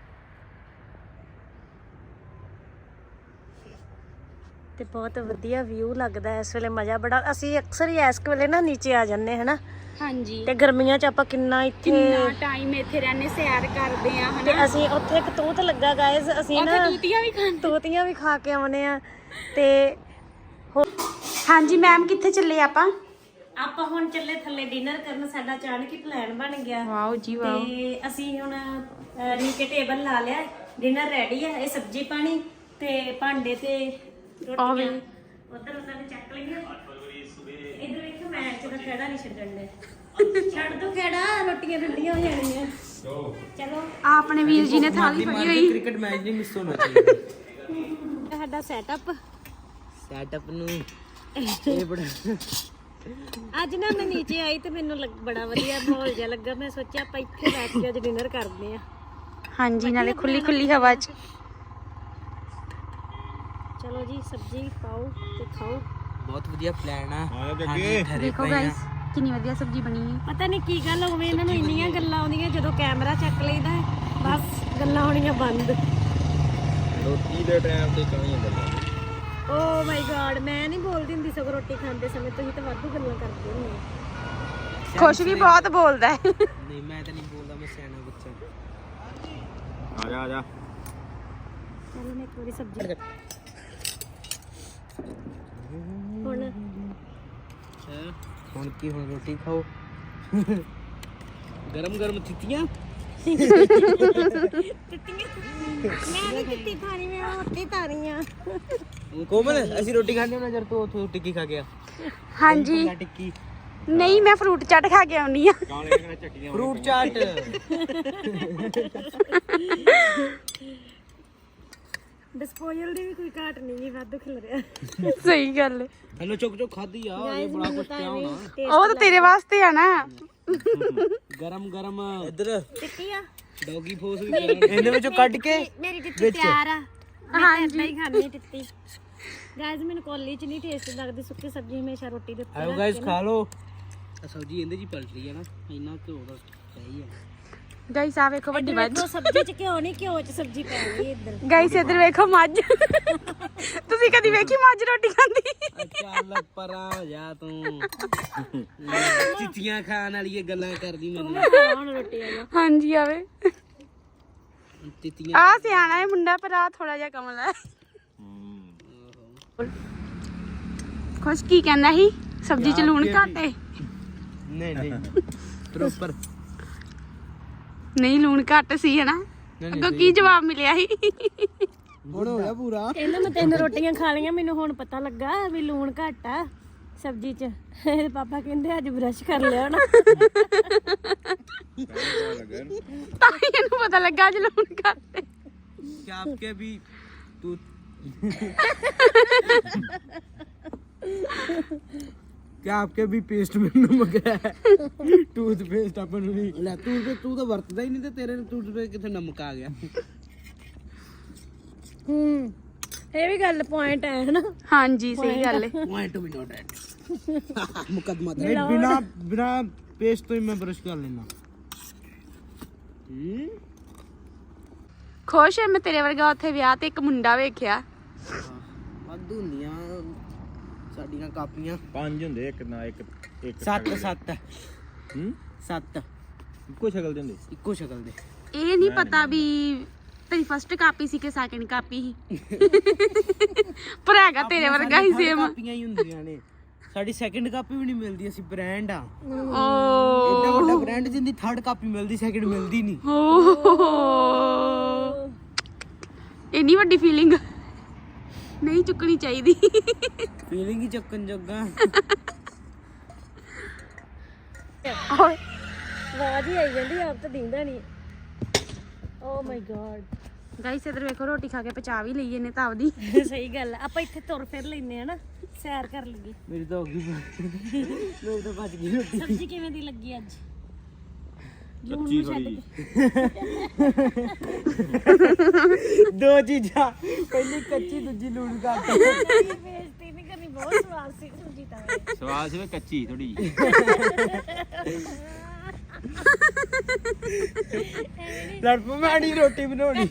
Speaker 2: ਤੇ ਬਹੁਤ ਵਧੀਆ ਵਿਊ ਲੱਗਦਾ ਇਸ ਵੇਲੇ ਮਜ਼ਾ ਬੜਾ ਅਸੀਂ ਅਕਸਰ ਹੀ ਇਸ ਵੇਲੇ ਨਾ ਨੀਚੇ ਆ ਜੰਨੇ ਹਨਾ
Speaker 1: ਹਾਂਜੀ
Speaker 2: ਤੇ ਗਰਮੀਆਂ ਚ ਆਪਾਂ ਕਿੰਨਾ ਇੱਥੇ
Speaker 1: ਕਿੰਨਾ ਟਾਈਮ ਇੱਥੇ ਰਹਿੰਦੇ ਸੈਰ ਕਰਦੇ ਆ
Speaker 2: ਤੇ
Speaker 1: ਹਨਾ
Speaker 2: ਅਸੀਂ ਉੱਥੇ ਇੱਕ ਤੂਤ ਲੱਗਾ ਗਾਇਸ ਅਸੀਂ ਨਾ
Speaker 1: ਉੱਥੇ ਤੂਤੀਆਂ ਵੀ ਖਾਂਦੇ
Speaker 2: ਤੋਤੀਆਂ ਵੀ ਖਾ ਕੇ ਆਉਨੇ ਆ ਤੇ
Speaker 1: ਹਾਂਜੀ ਮੈਮ ਕਿੱਥੇ ਚੱਲੇ ਆਪਾਂ
Speaker 2: ਆਪਾਂ ਹੁਣ ਚੱਲੇ ਥੱਲੇ ਡਿਨਰ ਕਰਨ ਸਾਡਾ ਅਚਾਨਕ ਹੀ ਪਲਾਨ ਬਣ ਗਿਆ
Speaker 1: ਵਾਓ ਜੀ
Speaker 2: ਤੇ ਅਸੀਂ ਹੁਣ ਨੀਚੇ ਟੇਬਲ ਲਾ ਲਿਆ ਡਿਨਰ ਰੈਡੀ ਆ ਇਹ ਸਬਜ਼ੀ ਪਾਣੀ ਤੇ ਭਾਂਡੇ ਤੇ ਰੋਟੀਆਂ ਉਧਰ ਉਹਨਾਂ ਨੇ ਚੱਕ ਲਈਆਂ ਇਧਰ ਵੇਖੋ ਮੈਂ ਚੋਂ ਖੜਾ ਨਹੀਂ ਛੱਡਣ ਦੇ ਛੱਡ ਦੋ ਖੜਾ ਰੋਟੀਆਂ ਠੰਡੀਆਂ ਹੋ ਜਾਣੀਆਂ ਚਲੋ
Speaker 1: ਆ ਆਪਣੇ ਵੀਰ ਜੀ ਨੇ ਥਾਲੀ ਫੜੀ ਹੋਈ
Speaker 4: ਕ੍ਰਿਕਟ ਮੈਚ ਨਹੀਂ ਮਿਸ ਹੋਣਾ ਚਾਹੀਦਾ
Speaker 2: ਸਾਡਾ ਸੈਟਅਪ
Speaker 4: ਸੈਟਅਪ ਨੂੰ ਇਹ ਬੜਾ
Speaker 2: ਅੱਜ ਨਾ ਮੈਂ ਨੀਚੇ ਆਈ ਤੇ ਮੈਨੂੰ ਲੱਗ- ਬੜਾ ਵਧੀਆ ਮਾਹੌਲ ਜਿਹਾ ਲੱਗਾ ਮੈਂ ਸੋਚਿਆ ਆਪਾਂ ਇੱਥੇ ਬੈਠ ਕੇ ਅੱਜ ਡਿਨਰ ਕਰਦੇ ਆ
Speaker 1: ਹਾਂਜੀ ਨਾਲੇ ਖੁੱਲੀ ਖੁੱਲੀ ਹਵਾ 'ਚ
Speaker 2: ਚਲੋ ਜੀ ਸਬਜ਼ੀ ਪਾਓ ਤੇ ਖਾਓ
Speaker 4: ਬਹੁਤ ਵਧੀਆ ਪਲਾਨ ਆ ਹਾਂਜੀ ਠਹਿਰੇ
Speaker 1: ਦੇਖੋ
Speaker 4: ਪਏ ਆ
Speaker 1: ਗਾਇਸ ਕਿੰਨੀ ਵਧੀਆ ਸਬਜ਼ੀ ਬਣੀ ਹੈ
Speaker 2: ਪਤਾ ਨਹੀਂ ਕੀ ਗੱਲ ਹੋਵੇ ਇਹਨਾਂ ਨੂੰ ਇੰਨੀਆਂ ਗੱਲਾਂ ਆਉਂਦੀਆਂ ਜਦੋਂ ਕੈਮਰਾ ਚੱਕ ਲਈਦਾ ਹੈ, ਬਸ ਗੱਲਾਂ ਹੋਣੀਆਂ ਬੰਦ
Speaker 4: ਰੋਟੀ ਦੇ ਟਾਈਮ ਤੇ ਕਮੀ ਹੁੰਦਾ
Speaker 2: ਓ ਮਾਈ ਗॉड ਮੈਂ ਨਹੀਂ ਬੋਲਦੀ ਹੁੰਦੀ ਸਗੋਂ ਰੋਟੀ ਖਾਂਦੇ ਸਮੇਂ ਤੁਸੀਂ ਤਾਂ ਵਾਧੂ ਗੱਲਾਂ ਕਰਦੇ ਹੁੰਦੇ ਹੋ।
Speaker 1: ਖੁਸ਼ ਵੀ ਬਹੁਤ ਬੋਲਦਾ ਹੈ
Speaker 4: ਨਹੀਂ ਮੈਂ ਤਾਂ ਨਹੀਂ ਬੋਲਦਾ ਮੈਂ ਸਿਆਣਾ ਬੱਚਾ ਆ ਜਾ ਆ ਜਾ
Speaker 2: ਚਲੋ ਮੈਂ ਇੱਕ ਵਾਰੀ ਸਬਜ਼ੀ ਹੁਣ
Speaker 4: ਹੁਣ ਕੀ ਹੁਣ ਰੋਟੀ ਖਾਓ ਗਰਮ ਗਰਮ ਤਿੱਤੀਆਂ
Speaker 2: ਮੈਂ ਨਹੀਂ ਕਿੱਤੀ ਖਾਣੀ ਮੈਂ ਰੋਟੀ ਖਾਣੀ ਆ
Speaker 4: ਕੋਮਲ ਅਸੀਂ ਰੋਟੀ ਖਾਣੇ ਨਾ ਜਰ ਤੂੰ ਉੱਥੋਂ ਟਿੱਕੀ ਖਾ ਗਿਆ
Speaker 1: ਹਾਂਜੀ
Speaker 4: ਟਿੱਕੀ
Speaker 1: ਨਹੀਂ ਮੈਂ ਫਰੂਟ ਚਾਟ ਖਾ ਕੇ ਆਉਣੀ ਆ
Speaker 4: ਫਰੂਟ ਚਾਟ
Speaker 2: ਡਿਸਪੋਜ਼ਲ ਦੀ ਵੀ ਕੋਈ ਘਾਟ ਨਹੀਂ ਜੀ ਵਾਧੂ ਖਿਲ ਰਿਹਾ
Speaker 1: ਸਹੀ ਗੱਲ
Speaker 4: ਹਲੋ ਚੁੱਕ ਚੁੱਕ ਖਾਦੀ ਆ ਇਹ ਬੜਾ ਕੁਛ ਪਿਆ ਹੋਣਾ
Speaker 1: ਉਹ ਤਾਂ ਤੇਰੇ ਵਾਸਤੇ ਆ ਨਾ
Speaker 4: ਗਰਮ ਗਰਮ ਇੱਧਰ
Speaker 2: ਟਿੱਕੀ ਆ
Speaker 4: ਡੌਗੀ ਫੋਸ ਵੀ ਇਹਦੇ ਵਿੱਚੋਂ ਕੱਢ ਕੇ
Speaker 2: ਮੇਰੀ ਟਿੱਕੀ ਤਿਆਰ ਆ ਹਾਂਜੀ ਮੈਂ ਖਾਣੀ ਟਿੱਕੀ ਗਾਇਜ਼ ਮੈਨੂੰ ਕੋਲੀ ਚ ਨਹੀਂ ਟੇਸਟ ਲੱਗਦੀ ਸੁੱਕੀ ਸਬਜ਼ੀ ਹਮੇਸ਼ਾ ਰੋਟੀ ਦੇ ਉੱਤੇ
Speaker 4: ਆਓ ਗਾਇਸ ਖਾ ਲਓ ਆ ਸਬਜ਼ੀ ਇਹਦੇ ਜੀ ਪਲਟ ਰਹੀ ਹੈ ਨਾ ਇੰਨਾ ਘਿਓ ਦਾ ਸਹੀ ਹੈ
Speaker 1: ਗਾਇਸ ਆ ਵੇਖੋ ਵੱਡੀ ਮੱਝ
Speaker 2: ਦੇਖੋ ਸਬਜ਼ੀ ਚ ਘਿਓ ਨਹੀਂ ਘਿਓ ਚ ਸਬਜ਼ੀ ਪੈ ਗਈ ਇੱਧਰ
Speaker 1: ਗਾਇਸ ਇੱਧਰ ਵੇਖੋ ਮੱਝ ਤੁਸੀਂ ਕਦੀ ਵੇਖੀ ਮੱਝ ਰੋਟੀ ਖਾਂਦੀ
Speaker 4: ਅੱਛਾ ਲੱਗ ਪਰਾਂ ਹੋ ਜਾ ਤੂੰ ਚਿੱਟੀਆਂ ਖਾਣ ਵਾਲੀ ਇਹ ਗੱਲਾਂ ਕਰਦੀ ਮੈਨੂੰ
Speaker 2: ਹੁਣ ਰੋਟੀ ਆ
Speaker 1: ਹਾਂਜੀ ਆਵੇ
Speaker 4: ਤਿੱਤੀਆਂ
Speaker 1: ਆ ਸਿਆਣਾ ਹੈ ਮੁੰਡਾ ਪਰ ਆ ਥੋੜਾ ਜਿਹਾ ਕਮਲ ਹੈ ਖੁਸ਼ ਕੀ ਕਹਿੰਦਾ ਸੀ ਸਬਜ਼ੀ ਚ ਲੂਣ ਘੱਟ ਹੈ
Speaker 4: ਨਹੀਂ ਨਹੀਂ ਪ੍ਰੋਪਰ
Speaker 1: ਨਹੀਂ ਲੂਣ ਘੱਟ ਸੀ ਹਨਾ ਅੱਗੋਂ ਕੀ ਜਵਾਬ ਮਿਲਿਆ ਸੀ
Speaker 4: ਹੁਣ ਹੋਇਆ ਪੂਰਾ
Speaker 2: ਕਹਿੰਦਾ ਮੈਂ ਤਿੰਨ ਰੋਟੀਆਂ ਖਾ ਲਈਆਂ ਮੈਨੂੰ ਹੁਣ ਪਤਾ ਲੱਗਾ ਵੀ ਲੂਣ ਘੱਟ ਆ ਸਬਜ਼ੀ ਚ ਇਹਦੇ ਪਾਪਾ ਕਹਿੰਦੇ ਅੱਜ ਬ੍ਰਸ਼ ਕਰ ਲਿਆ ਨਾ
Speaker 1: ਤਾਂ ਹੀ ਇਹਨੂੰ ਪਤਾ ਲੱਗਾ ਅੱਜ ਲੂਣ ਕਰਦੇ।
Speaker 4: क्या आपके भी टूथ क्या आपके भी पेस्ट में नमक है टूथपेस्ट अपन भी ले तू तो तू तो वरतदा ही नहीं ते तेरे टूथपेस्ट किथे नमक आ गया।
Speaker 2: ਹੂੰ ਇਹ ਵੀ ਗੱਲ ਪੁਆਇੰਟ ਹੈ ਹਨਾ।
Speaker 1: ਹਾਂਜੀ ਸਹੀ ਗੱਲ ਹੈ।
Speaker 4: पॉइंट भी नोट है मुकदमा नहीं बिना बिना पेस्ट तो ही मैं ब्रश कर लेना। हम्म
Speaker 1: ਖੁਸ਼ ਹੈ ਮੈਂ ਤੇਰੇ ਵਰਗਾ ਉੱਥੇ ਵਿਆਹ ਤੇ ਇੱਕ ਮੁੰਡਾ ਵੇਖਿਆ।
Speaker 4: ਵਾਧੂ ਹੁੰਦੀਆਂ ਸਾਡੀਆਂ ਕਾਪੀਆਂ
Speaker 5: ਪੰਜ ਹੁੰਦੇ ਇੱਕ ਨਾ ਇੱਕ ਇੱਕ
Speaker 4: ਸੱਤ ਸੱਤ
Speaker 5: ਹੂੰ
Speaker 4: ਸੱਤ
Speaker 5: ਇੱਕੋ ਸ਼ਕਲ ਦੇ ਹੁੰਦੇ।
Speaker 4: ਇੱਕੋ ਸ਼ਕਲ ਦੇ।
Speaker 1: ਇਹ ਨਹੀਂ ਪਤਾ ਵੀ ਤੇਰੀ ਫਸਟ ਕਾਪੀ ਸੀ ਕਿ ਸੈਕਿੰਡ ਕਾਪੀ ਸੀ ਪਰ ਹੈਗਾ ਤੇਰੇ ਵਰਗਾ ਹੀ ਸੇਮ।
Speaker 4: ਕਾਪੀਆਂ ਹੀ ਹੁੰਦੀਆਂ ਨੇ ਸਾਡੀ ਸੈਕਿੰਡ ਕਾਪੀ ਵੀ ਨਹੀਂ ਮਿਲਦੀ। ਅਸੀਂ ਬ੍ਰਾਂਡ ਆ
Speaker 1: ਓ
Speaker 4: ਇੰਨਾ ਵੱਡਾ ਬ੍ਰਾਂਡ ਜਿੰਦੀ ਥਰਡ ਕਾਪੀ ਮਿਲਦੀ ਸੈਕਿੰਡ ਮਿਲਦੀ ਨਹੀਂ।
Speaker 1: ਓ ਇੰਨੀ ਵੱਡੀ ਫੀਲਿੰਗ ਨਹੀਂ ਚੁੱਕਣੀ ਚਾਹੀਦੀ।
Speaker 4: ਫੀਲਿੰਗ ਹੀ ਚੱਕਣ ਜੋਗਾ।
Speaker 1: ਓਏ
Speaker 2: ਆਵਾਜ਼ ਹੀ ਆਈ ਜਾਂਦੀ ਆਪ ਤਾਂ ਦਿੰਦਾ ਨਹੀਂ। ਓ ਮਾਈ ਗॉड
Speaker 1: ਗਾਇਸ ਇਧਰ ਵੇਖੋ ਰੋਟੀ ਖਾ ਕੇ ਪਚਾ ਵੀ ਲਈਏ ਨੇ ਤਾਂ ਆਪਦੀ।
Speaker 2: ਸਹੀ ਗੱਲ ਆ। ਆਪਾਂ ਇੱਥੇ ਤੁਰ ਫਿਰ ਲੈਨੇ ਆ ਨਾ ਸੈਰ ਕਰ ਲਈਏ।
Speaker 4: ਮੇਰੀ ਤਾਂ ਹੋ ਗਈ ਮੇਰੀ ਤਾਂ ਬਚ ਗਈ ਰੋਟੀ।
Speaker 2: ਸਬਜ਼ੀ ਕਿਵੇਂ ਦੀ ਲੱਗੀ ਅੱਜ? ਲੂਣ
Speaker 5: ਕੱਚੀ
Speaker 2: ਨੂੰ ਛੱਡ
Speaker 5: ਥੋੜੀ
Speaker 2: ਕੇ
Speaker 4: ਦੋ ਚੀਜ਼ਾਂ ਪਹਿਲੀ ਕੱਚੀ ਦੂਜੀ ਲੂਣ ਕਰ।
Speaker 2: ਬੇਇੱਜ਼ਤੀ ਨਹੀਂ ਕਰਨੀ। ਬਹੁਤ ਸਵਾਦ ਸੀ ਸਬਜ਼ੀ ਤਾਂ।
Speaker 5: ਸਵਾਦ ਸੀ ਕੱਚੀ ਥੋੜੀ
Speaker 4: ਲੜ ਪਵਾਣੀ ਰੋਟੀ ਬਣਾਉਣੀ।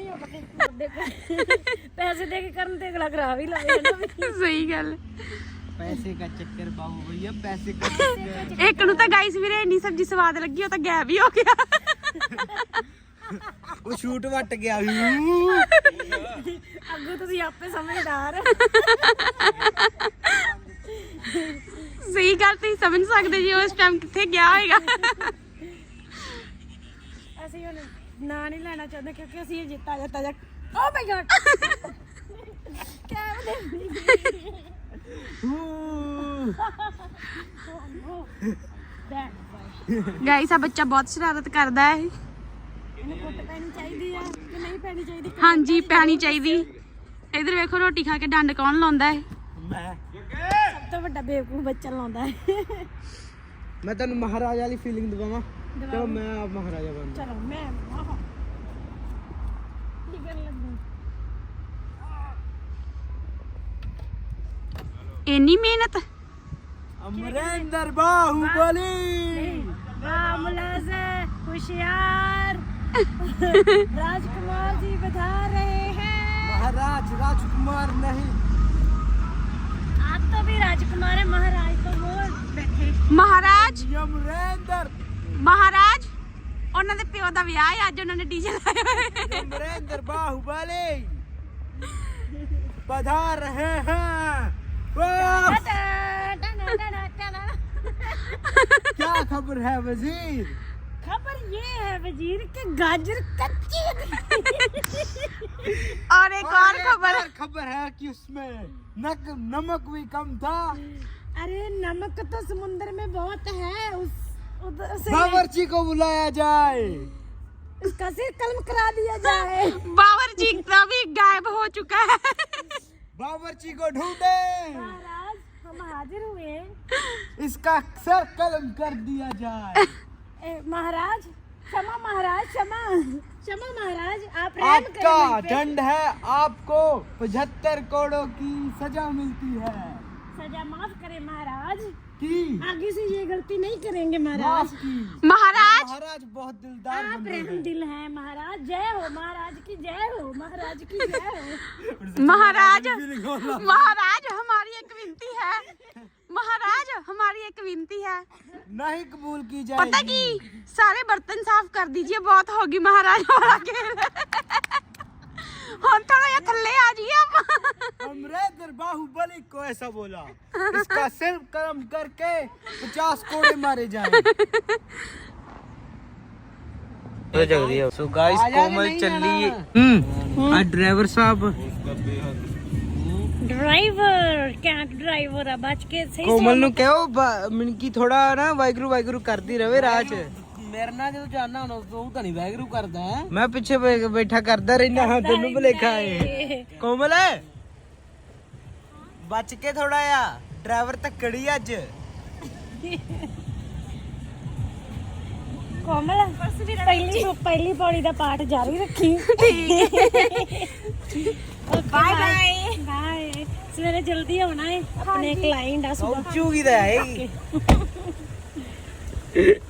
Speaker 2: ਪੈਸੇ ਦੇ ਕੇ ਕਰਨ ਤੇ ਅਗਲਾ ਕਰਾ ਵੀ ਲਵੇ ਨਾ।
Speaker 1: ਸਹੀ ਗੱਲ।
Speaker 4: ਪੈਸੇ ਦਾ ਚੱਕਰ ਬਾਬੂ ਭਈਆ ਪੈਸੇ ਦਾ ਚੱਕਰ।
Speaker 1: ਇੱਕ ਨੂੰ ਤਾਂ ਗਾਇਸ ਵੀਰੇ ਇੰਨੀ ਸਬਜ਼ੀ ਸਵਾਦ ਲੱਗੀ ਉਹ ਤਾਂ ਗਾਇਬ ਹੀ ਹੋ ਗਿਆ।
Speaker 4: ਉਹ ਸ਼ੂਟ ਵੱਟ ਗਿਆ।
Speaker 2: ਅੱਗੋਂ ਤੁਸੀਂ ਆਪੇ ਸਮਝਦਾਰ।
Speaker 1: ਸਹੀ ਗੱਲ ਤੁਸੀਂ ਸਮਝ ਸਕਦੇ ਜੀ ਉਸ ਟਾਈਮ ਕਿੱਥੇ ਗਿਆ ਹੋਏਗਾ।
Speaker 2: ਅਸੀਂ ਹੁਣ ਨਾਂ ਨਹੀਂ ਲੈਣਾ ਚਾਹੁੰਦੇ ਕਿਉਂਕਿ ਅਸੀਂ ਇਹ ਜਿੱਤਾ ਜਿੱਤਾ ਜਾ। ਓ ਮਾਈ ਗॉड
Speaker 1: ਗਾਇਸ ਆ ਬੱਚਾ ਬਹੁਤ ਸ਼ਰਾਰਤ ਕਰਦਾ ਹੈ।
Speaker 2: ਇਹਨੂੰ ਕੁੱਟ ਪੈਣੀ ਚਾਹੀਦੀ ਆ ਕਿ ਨਹੀਂ ਪੈਣੀ ਚਾਹੀਦੀ?
Speaker 1: ਹਾਂਜੀ ਪੈਣੀ ਚਾਹੀਦੀ। ਇਧਰ ਵੇਖੋ ਰੋਟੀ ਖਾ ਕੇ ਡੰਡ ਕੌਣ ਲਾਉਂਦਾ ਹੈ?
Speaker 4: ਮੈਂ
Speaker 2: ਸਭ ਤੋਂ ਵੱਡਾ ਬੇਵਕੂਫ ਬੱਚਾ ਲਾਉਂਦਾ ਹੈ।
Speaker 4: ਮੈਂ ਤੁਹਾਨੂੰ ਮਹਾਰਾਜਾ ਵਾਲੀ ਫੀਲਿੰਗ ਦਵਾਵਾਂ। ਚਲੋ ਮੈਂ ਆਪ ਮਹਾਰਾਜਾ ਬਣ।
Speaker 2: ਚਲੋ ਮੈਂ ਆਹ ਕੀ ਕਰਨ ਲੱਗੀ?
Speaker 1: ਇੰਨੀ ਮਿਹਨਤ।
Speaker 4: ਅਮਰਿੰਦਰ ਬਾਹੂਬਲੀ
Speaker 2: ਵਾਹ ਮੁਲਾਜ਼ਮ होशियार राजकुमार जी बता रहे हैं।
Speaker 4: महाराज राजकुमार नहीं।
Speaker 2: आप तो भी राजकुमार है। महाराज तो वो बैठे।
Speaker 1: ਮਹਾਰਾਜ
Speaker 4: ਅਮਰਿੰਦਰ
Speaker 1: ਮਹਾਰਾਜ ਉਹਨਾਂ ਦੇ ਪਿਓ ਦਾ ਵਿਆਹ ਹੈ ਅੱਜ ਉਹਨਾਂ ਨੇ ਡੀਜੇ ਲਾਇਆ ਹੋਇਆ ਹੈ।
Speaker 4: अमरिंदर बाहुबली पधार रहे हैं। वाह! क्या खबर है वजीर?
Speaker 2: खबर ये है वजीर के गाजर कच्ची है।
Speaker 1: और एक और खबर
Speaker 4: और खबर है कि उसमें नक नमक भी कम था।
Speaker 2: अरे नमक तो समुद्र में बहुत है। उस उधर से
Speaker 4: बावर्ची को बुलाया जाए।
Speaker 2: उसका सिर कलम करा दिया जाए।
Speaker 1: बावर्ची का भी गायब हो चुका है।
Speaker 4: बावर्ची को ढूंढे।
Speaker 2: महाराज हम हाजिर हुए हैं।
Speaker 4: इसका सर कलम कर दिया जाए।
Speaker 2: ए, महाराज क्षमा महाराज क्षमा क्षमा महाराज आप रहम
Speaker 4: आपका
Speaker 2: करें मुझ पे।
Speaker 4: दंड है आपको पचहत्तर करोड़ों की सजा मिलती है।
Speaker 2: सजा माफ करें महाराज।
Speaker 4: की
Speaker 2: आगे से ये गलती नहीं करेंगे
Speaker 4: माफ
Speaker 2: महाराज।
Speaker 4: की।
Speaker 1: महाराज
Speaker 4: महाराज बहुत दिलदार
Speaker 2: आप
Speaker 4: बंदे
Speaker 2: रहम
Speaker 4: हैं।
Speaker 2: दिल हैं महाराज। जय हो महाराज की जय हो महाराज की जय हो।
Speaker 1: महाराज महाराज हमारी एक विनती है। महाराज हमारी एक विनती है।
Speaker 4: नहीं कबूल की
Speaker 1: पता
Speaker 4: जाएगी।
Speaker 1: की सारे बर्तन साफ कर दीजिए बहुत होगी महाराज वाला खेल। हम थोड़ा या थल्ले आ जाइए आप।
Speaker 4: अमरिंदर बाहुबली को ऐसा बोला। इसका सिर कलम करके पचास कोड़े मारे जाएं। सो गाइस कोमल चली। हम्म ड्राइवर साहब
Speaker 2: ਡਰਾਈਵਰ ਕੈਂਟ ਡਰਾਈਵਰ ਆ ਬਚ ਕੇ ਸਹੀ
Speaker 4: ਕੋਮਲ ਨੂੰ ਕਹੋ ਮਿੰਕੀ ਥੋੜਾ ਨਾ ਵਾਹਿਗੁਰੂ ਵਾਹਿਗੁਰੂ ਕਰਦੀ ਰਵੇ ਰਾਹ 'ਚ। ਮੇਰੇ ਨਾਲ ਜਦੋਂ ਜਾਣਾ ਹੁਣ ਉਹ ਤਾਂ ਨਹੀਂ ਵਾਹਿਗੁਰੂ ਕਰਦਾ ਹੈ। ਮੈਂ ਪਿੱਛੇ ਬੈ- ਬੈਠਾ ਕਰਦਾ ਰਹਿਣਾ ਹਾਂ ਤੈਨੂੰ ਭੁਲੇਖਾ ਏ। ਕੋਮਲ ਬਚ ਕੇ ਥੋੜਾ ਆ ਡਰਾਈਵਰ ਧੱਕੜੀ ਅੱਜ।
Speaker 2: ਕੋਮਲ ਪਹਿਲੀ ਪਹਿਲੀ ਪੌੜੀ ਦਾ ਪਾਠ ਜਾਰੀ ਰੱਖੀ। Bye bye bye. ਸਵੇਰੇ ਜਲਦੀ ਆਉਣਾ ਹੈ ਆਪਣੇ ਕਲਾਇੰਟ ਆ ਸੁਬਾ।
Speaker 4: ਪਹੁੰਚੂਗੀ ਤਾਂ ਹੈ